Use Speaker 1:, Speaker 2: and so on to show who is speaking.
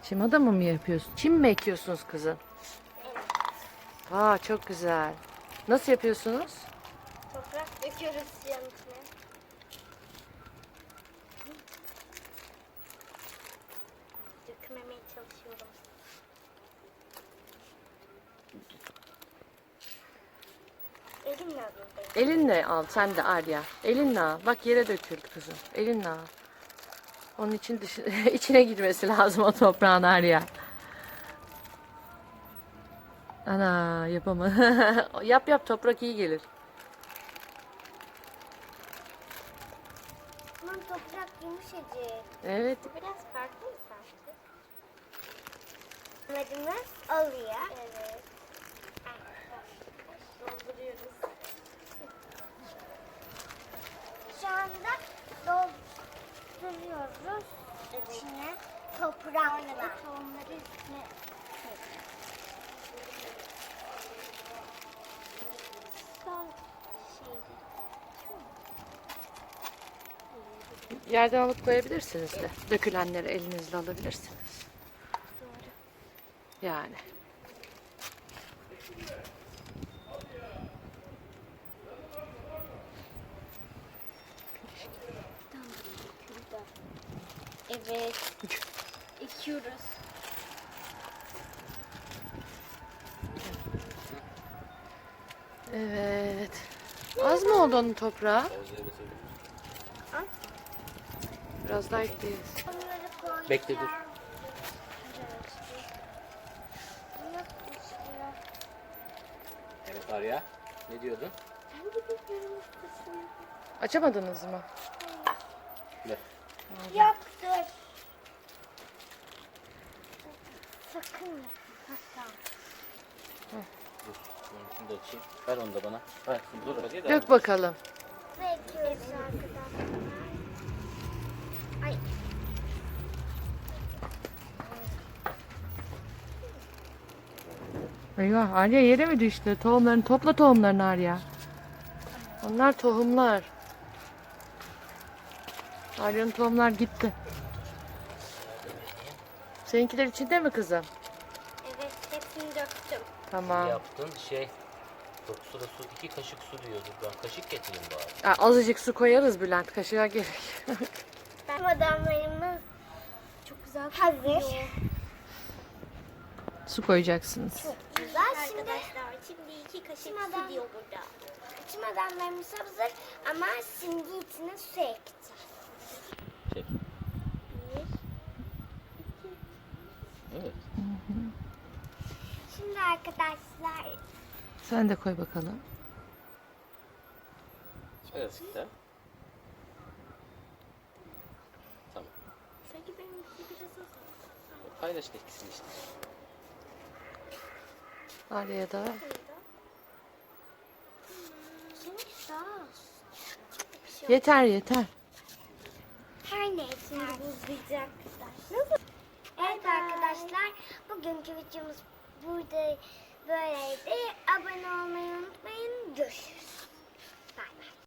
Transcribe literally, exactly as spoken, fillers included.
Speaker 1: Çim adamı mı yapıyorsun? Çim mi ekiyorsunuz kızım?
Speaker 2: Evet.
Speaker 1: Aa, çok güzel. Nasıl yapıyorsunuz?
Speaker 2: Toprak döküyoruz yanın içine. Dökmemeye çalışıyorum. Elimle alıyorum.
Speaker 1: Elinle al sen de Arya. Elinle al. Bak yere döküldü kızım. Elinle al. Onun için dışı, içine girmesi lazım o toprağın Arya. Ana yapama. Yap yap, toprak iyi gelir.
Speaker 2: Aman toprak yumuşacık.
Speaker 1: Evet.
Speaker 2: Bu biraz farklı mı sanki? Amacımız oluyor. Evet. Dolduruyoruz. Şu anda dolduruyoruz. Evet. İçine toprakla. Tohumları üstüne son şeyde.
Speaker 1: Yerden alıp koyabilirsiniz de. Dökülenleri elinizle alabilirsiniz.
Speaker 2: Doğru.
Speaker 1: Yani.
Speaker 2: Evet. Ekiyoruz.
Speaker 1: Evet. Az mı oldu onun toprağı?
Speaker 2: Az.
Speaker 1: Biraz daha ekleyeceğiz.
Speaker 2: Onları koyacağım.
Speaker 3: Bekle, dur.
Speaker 2: Evet. Bunu
Speaker 3: Evet Arya. Ne diyordun?
Speaker 2: Ben de bekliyorum ustasını.
Speaker 1: Açamadınız mı?
Speaker 3: Ver.
Speaker 2: Yok dur. Sakın yapma. Hatta.
Speaker 3: Dur. Şunu da açayım. Ver onu da bana. Ver. Dur. Hadi
Speaker 1: Dök bakalım.
Speaker 2: Bekliyoruz arkadaşlar. Ay.
Speaker 1: Eyvah, Arya yere mi düştü? Tohumlarını topla, tohumlarını Arya. Onlar tohumlar. Arya'nın tohumlar gitti. Seninkiler içinde mi kızım?
Speaker 2: Evet hepsini döktüm.
Speaker 1: Tamam.
Speaker 3: Yaptın şey. Çok su da su. iki kaşık su diyordur. Ben kaşık getireyim bari.
Speaker 1: Aa, azıcık su koyarız Bülent. Kaşığa gerek.
Speaker 2: Ben adamlarımız çok güzel hazır.
Speaker 1: Su koyacaksınız.
Speaker 2: Çok güzel. Şimdi arkadaşlar şimdi iki kaşık su diyor burada. Çim adamlarımız hazır ama şimdi içine su ekleyeceğiz.
Speaker 3: Çek.
Speaker 2: Bir, iki.
Speaker 3: Evet.
Speaker 2: Şimdi arkadaşlar
Speaker 1: Sen de koy bakalım.
Speaker 3: Evet. De. Tamam.
Speaker 2: sanki benim biraz az.
Speaker 3: Paylaşın ikisini işte.
Speaker 1: Arya'ya da.
Speaker 2: Seninki daha az.
Speaker 1: Yeter yeter.
Speaker 2: Her neyse şimdi buzlayacak. Nasıl? Evet arkadaşlar bugünkü videomuz burada böyleydi. Abone olmayı unutmayın. Görüşürüz.